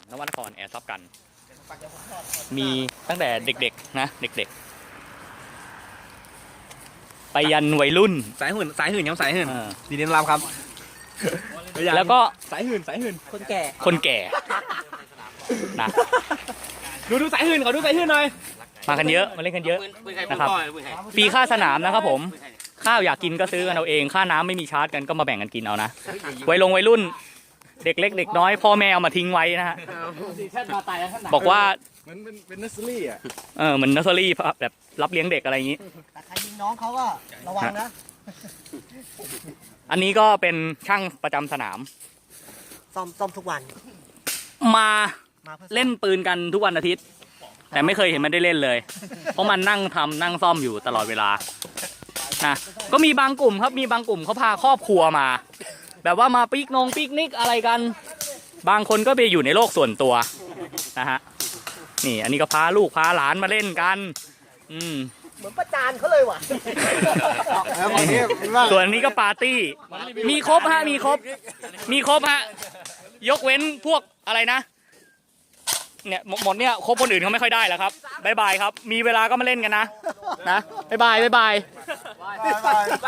นวนครแอร์ซอฟกันมีตั้งแต่เด็กๆนะเด็กๆไปยันวัยรุ่นสายหื่นยังสายหื่นดีเด่นรามครับแล้วก็สายหื่นคนแก่นะดูสายหื่นเขาดูสายหื่นหน่อยมากันเยอะมาเล่นกันเยอะนะครับฟรีค่าสนามนะครับผมข้าวอยากกินก็ซื้อกันเอาเองค่าน้ำไม่มีชาร์จกันก็มาแบ่งกันกินเอานะวัยรุ่นเด็กเล็กเด็กน้อยพ่อแม่เอามาทิ้งไว้นะฮะบอกว่าเป็นเนสเซอรี่อ่ะเหมือนเนสเซอรี่แบบรับเลี้ยงเด็กอะไรอย่างนี้แต่ใครยิงน้องเขาก็ระวังนะอันนี้ก็เป็นช่างประจำสนามซ่อมทุกวันมาเล่นปืนกันทุกวันอาทิตย์แต่ไม่เคยเห็นมันได้เล่นเลยเพราะมันนั่งซ่อมอยู่ตลอดเวลานะก็มีบางกลุ่มครับมีบางกลุ่มเขาพาครอบครัวมาแบบว่ามาปิกนิกอะไรกันบางคนก็ไปอยู่ในโลกส่วนตัวนะฮะนี่อันนี้ก็พาลูกพาหลานมาเล่นกันเหมือนประจานเขาเลยว่ะส่วนนี้ก็ปาร์ตี้มีครบฮะมีครบฮะยกเว้นพวกอะไรนะเนี่ยหมดเนี่ยครบคนอื่นเขาไม่ค่อยได้แล้วครับบ๊ายบายครับมีเวลาก็มาเล่นกันนะบ๊ายบาย